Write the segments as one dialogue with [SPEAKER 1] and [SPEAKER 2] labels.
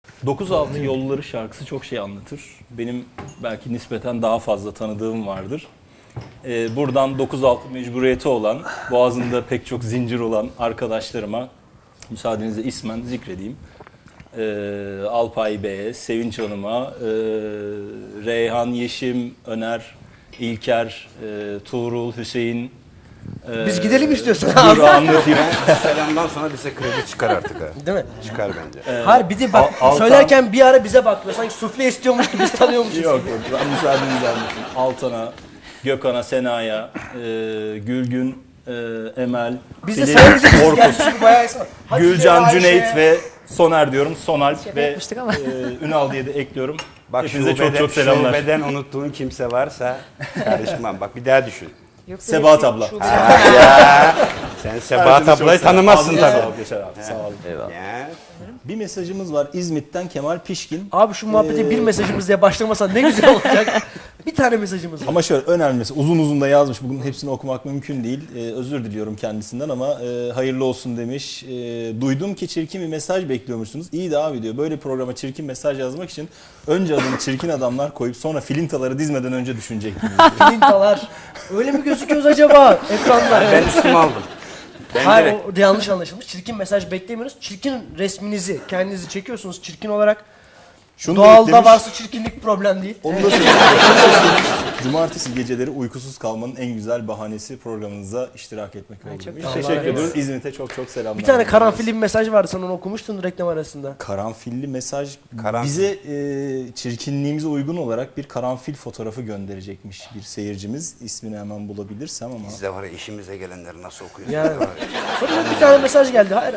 [SPEAKER 1] 9-6 Yolları şarkısı çok şey anlatır. Benim belki nispeten daha fazla tanıdığım vardır. Buradan 9-6 mecburiyeti olan, boğazında pek çok zincir olan arkadaşlarıma müsaadenizle ismen zikredeyim. Alpay Bey'e, Sevinç Hanım'a, Reyhan, Yeşim, Öner, İlker, Tuğrul, Hüseyin.
[SPEAKER 2] Biz gidelim istiyorsan
[SPEAKER 1] Dur
[SPEAKER 2] abi.
[SPEAKER 1] anlatayım.
[SPEAKER 3] Selamdan sonra bize kredi çıkar artık ha.
[SPEAKER 2] Değil mi?
[SPEAKER 3] Çıkar bence.
[SPEAKER 2] Hayır bir de bak
[SPEAKER 1] Altan-
[SPEAKER 2] söylerken bir ara bize bakıyor. Sanki sufle istiyormuş gibi biz tanıyormuşuz.
[SPEAKER 1] Yok yok, ben müsaadenizle anlatayım. Altan'a, Gökhan'a, Sena'ya, Gülgün, Emel,
[SPEAKER 2] Biz de
[SPEAKER 1] Filin,
[SPEAKER 2] seyredeceğiz.
[SPEAKER 1] Orkut,
[SPEAKER 2] Gerçi bayağı isim var. Hatice,
[SPEAKER 1] Gülcan,
[SPEAKER 2] Ayşe.
[SPEAKER 1] Cüneyt ve Sonal diyorum. Sonalp ve
[SPEAKER 4] yapmıştık ama.
[SPEAKER 1] Ünal diye de ekliyorum.
[SPEAKER 3] Bak
[SPEAKER 1] Hepinize çok çok selamlar.
[SPEAKER 3] Şubeden unuttuğun kimse varsa karışmam. Bak bir daha düşün.
[SPEAKER 4] Yoksa
[SPEAKER 1] Sebahat
[SPEAKER 4] hepsi
[SPEAKER 1] abla.
[SPEAKER 4] şube-
[SPEAKER 3] Ya sen Sebahat
[SPEAKER 1] Herkese
[SPEAKER 3] ablayı
[SPEAKER 1] çok selam.
[SPEAKER 3] tanımazsın
[SPEAKER 1] Abi,
[SPEAKER 3] tabii.
[SPEAKER 1] Sağ ol Yaşar abi, sağ ol.
[SPEAKER 3] Ya.
[SPEAKER 1] Bir mesajımız var İzmit'ten Kemal Pişkin.
[SPEAKER 2] Abi şu muhabbete bir mesajımız diye başlamasan ne güzel olacak. Bir tane mesajımız var.
[SPEAKER 1] Ama şöyle önermesi uzun uzun da yazmış. Bugün hepsini okumak mümkün değil. Özür diliyorum kendisinden ama hayırlı olsun demiş. Duydum ki çirkin bir mesaj bekliyormuşsunuz. İyi de abi diyor. Böyle programa çirkin mesaj yazmak için önce adını çirkin adamlar koyup sonra filintaları dizmeden önce düşünecektiniz.
[SPEAKER 2] Filintalar. Öyle mi gözüküyoruz acaba ekranda?
[SPEAKER 3] Ben üstüme aldım. Ben
[SPEAKER 2] Hayır
[SPEAKER 3] direkt
[SPEAKER 2] o da yanlış anlaşılmış. Çirkin mesaj beklemiyoruz. Çirkin resminizi kendinizi çekiyorsunuz çirkin olarak.
[SPEAKER 1] Şunu da
[SPEAKER 2] Doğalda
[SPEAKER 1] eklemiş.
[SPEAKER 2] varsa çirkinlik problem değil.
[SPEAKER 1] Onu da söyleyeyim. Cumartesi geceleri uykusuz kalmanın en güzel bahanesi programınıza iştirak etmek oldu.
[SPEAKER 4] çok
[SPEAKER 1] demiş.
[SPEAKER 2] Allah
[SPEAKER 1] Teşekkür
[SPEAKER 2] razı
[SPEAKER 1] ediyoruz. İzmit'e çok çok selamlar.
[SPEAKER 2] Bir tane karanfilli bir mesaj vardı sen onu okumuştun reklam arasında.
[SPEAKER 1] Karanfilli mesaj
[SPEAKER 3] Karanfil.
[SPEAKER 1] bize çirkinliğimize uygun olarak bir karanfil fotoğrafı gönderecekmiş bir seyircimiz. İsmini hemen bulabilirsem ama.
[SPEAKER 3] biz de var ya işimize gelenleri nasıl okuyoruz?
[SPEAKER 2] Yani.
[SPEAKER 3] Var ya.
[SPEAKER 2] Sonra bir tane mesaj geldi. Hayır.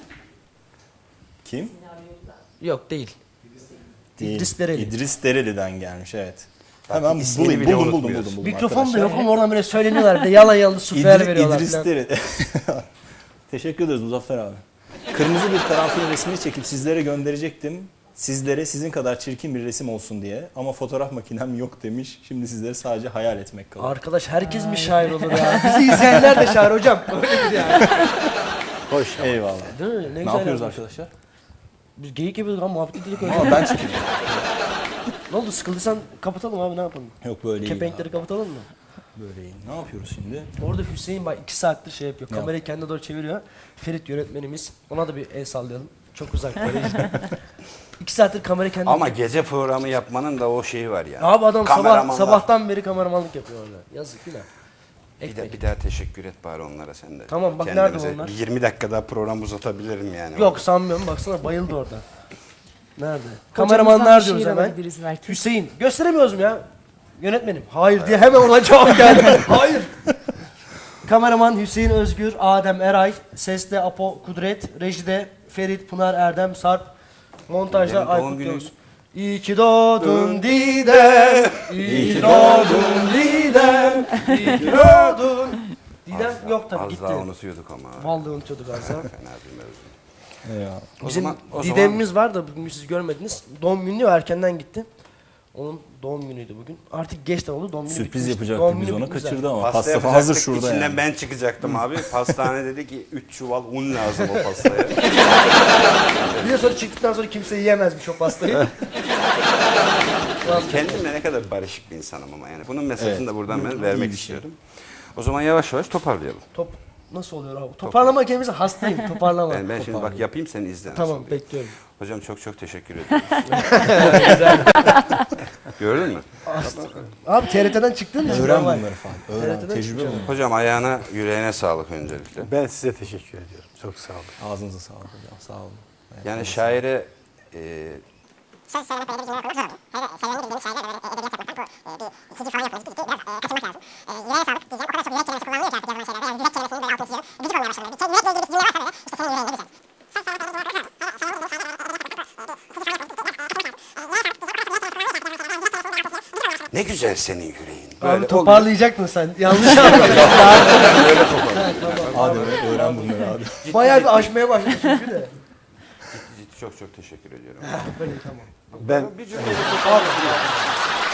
[SPEAKER 1] Kim?
[SPEAKER 2] Yok değil.
[SPEAKER 1] Değil.
[SPEAKER 2] İdris Dereli.
[SPEAKER 1] İdris Dereli'den gelmiş evet.
[SPEAKER 3] Bak,
[SPEAKER 1] Hemen
[SPEAKER 3] ismini
[SPEAKER 1] bulayım.
[SPEAKER 3] bile
[SPEAKER 1] Buldum
[SPEAKER 3] unutmuyoruz.
[SPEAKER 2] Mikrofon da
[SPEAKER 1] arkadaşlar.
[SPEAKER 2] yok ama oradan böyle söyleniyorlar. Bir de yalan yalan süfler veriyorlar
[SPEAKER 1] İdris
[SPEAKER 2] falan.
[SPEAKER 1] Dereli. Teşekkür ederiz Muzaffer abi. Kırmızı bir karanfil resmini çekip sizlere gönderecektim. Sizlere sizin kadar çirkin bir resim olsun diye. Ama fotoğraf makinem yok demiş. Şimdi sizlere sadece hayal etmek kalıyor.
[SPEAKER 2] Arkadaş herkes mi şair olur ya? Bizi izleyenler de şair hocam. Öyledir yani.
[SPEAKER 1] Hoş. Eyvallah.
[SPEAKER 2] Değil mi? Ne
[SPEAKER 1] Ne
[SPEAKER 2] güzel
[SPEAKER 1] yapıyoruz
[SPEAKER 2] yapmış.
[SPEAKER 1] arkadaşlar?
[SPEAKER 2] Biz geyik yapıyorduk ama muhabbet dedik öyle.
[SPEAKER 1] Ama ben çıkayım.
[SPEAKER 2] Ne oldu sıkıldıysan kapatalım abi ne yapalım?
[SPEAKER 1] Yok böyle iyi.
[SPEAKER 2] Kepenkleri kapatalım mı?
[SPEAKER 1] Böyle iyi. Ne yapıyoruz şimdi?
[SPEAKER 2] Orada Hüseyin bak 2 saattir şey yapıyor.
[SPEAKER 1] Ne
[SPEAKER 2] Kamerayı kendine doğru çeviriyor. Ferit yönetmenimiz. Ona da bir el sallayalım. Çok uzak böyle işte. 2 saattir kamerayı kendine...
[SPEAKER 3] Ama gece programı yapmanın da o şeyi var ya.
[SPEAKER 2] Abi adam
[SPEAKER 3] Kameramanlar.
[SPEAKER 2] sabahtan beri kameramanlık yapıyor orada. Yazık günah.
[SPEAKER 3] Bir daha teşekkür et bari onlara sen de.
[SPEAKER 2] Tamam, bak
[SPEAKER 3] Kendimize
[SPEAKER 2] nerede onlar?
[SPEAKER 3] 20 dakika daha program uzatabilirim yani.
[SPEAKER 2] Yok sanmıyorum baksana bayıldı orada. Nerede?
[SPEAKER 4] Hocamızdan
[SPEAKER 2] Kameramanlar
[SPEAKER 4] bir
[SPEAKER 2] diyoruz
[SPEAKER 4] şiir
[SPEAKER 2] hemen.
[SPEAKER 4] alabiliriz belki.
[SPEAKER 2] Hüseyin. Gösteremiyoruz mu ya? Yönetmenim. Hayır diye hemen ona cevap geldi. Hayır. Kameraman Hüseyin Özgür, Adem Eray, Seste Apo Kudret, Rejide Ferit, Pınar Erdem, Sarp, montajda
[SPEAKER 3] Benim doğum
[SPEAKER 2] Aykut
[SPEAKER 3] günüm.
[SPEAKER 2] Yavuz. İyi ki doğdun Didem, iyi ki doğdun Didem, iyi ki doğdun. Didem yok tabii
[SPEAKER 3] Az
[SPEAKER 2] gitti.
[SPEAKER 3] daha unutuyorduk ama.
[SPEAKER 2] Vallahi unutuyorduk az daha.
[SPEAKER 3] Fena bir mevzu.
[SPEAKER 1] Ya.
[SPEAKER 2] Bizim
[SPEAKER 3] o
[SPEAKER 2] Didem'imiz var da bugün siz görmediniz. Doğum günü erkenden gitti. Onun doğum günüydü bugün. Artık geç de oldu. Doğum günü
[SPEAKER 1] Sürpriz
[SPEAKER 2] bitmişti.
[SPEAKER 1] yapacaktık
[SPEAKER 2] Doğum
[SPEAKER 1] biz
[SPEAKER 2] günü
[SPEAKER 1] ona
[SPEAKER 2] bitmiş
[SPEAKER 1] kaçırdı
[SPEAKER 2] zaten.
[SPEAKER 1] ama
[SPEAKER 3] Pasta
[SPEAKER 1] pasta
[SPEAKER 3] yapacaktık,
[SPEAKER 1] hazır şurada
[SPEAKER 3] içinden
[SPEAKER 1] yani.
[SPEAKER 3] ben çıkacaktım abi. Pastane dedi ki 3 çuval un lazım o pastaya.
[SPEAKER 2] Bir de sonra çıktıktan sonra kimse yiyemezmiş o pastayı.
[SPEAKER 3] Kendimle ne kadar barışık bir insanım ama yani. Bunun mesajını
[SPEAKER 1] Evet.
[SPEAKER 3] da buradan ben
[SPEAKER 1] İyi
[SPEAKER 3] vermek
[SPEAKER 1] bir şey.
[SPEAKER 3] istiyorum. O zaman yavaş yavaş toparlayalım.
[SPEAKER 2] Top nasıl oluyor abi? Toparlama kelimesi hastayım. Toparlama.
[SPEAKER 3] Ben şimdi bak yapayım sen izle. nasıl
[SPEAKER 2] Tamam
[SPEAKER 3] oluyor.
[SPEAKER 2] bekliyorum.
[SPEAKER 3] Hocam çok çok teşekkür ederim. Gördün mü?
[SPEAKER 2] Abi TRT'den çıktın mı?
[SPEAKER 1] Öğren bunları falan. Öğren.
[SPEAKER 2] TRT'den
[SPEAKER 1] Tecrübe
[SPEAKER 2] çıkacağım.
[SPEAKER 1] bu.
[SPEAKER 3] Hocam ayağına yüreğine sağlık öncelikle.
[SPEAKER 5] Ben size teşekkür ediyorum. Çok sağ olun.
[SPEAKER 1] Ağzınıza sağlık hocam. Sağ olun.
[SPEAKER 3] Yani şaire ne güzel senin yüreğin.
[SPEAKER 2] Abi toparlayacaktın sen. Yanlış anladın.
[SPEAKER 1] Adem öğren bunları abi.
[SPEAKER 2] Bayağı bir aşmaya başladı çünkü de.
[SPEAKER 3] Çok çok teşekkür ediyorum.
[SPEAKER 2] Böyle tamam.
[SPEAKER 5] Ben
[SPEAKER 3] Bir cümleyle toparlayalım.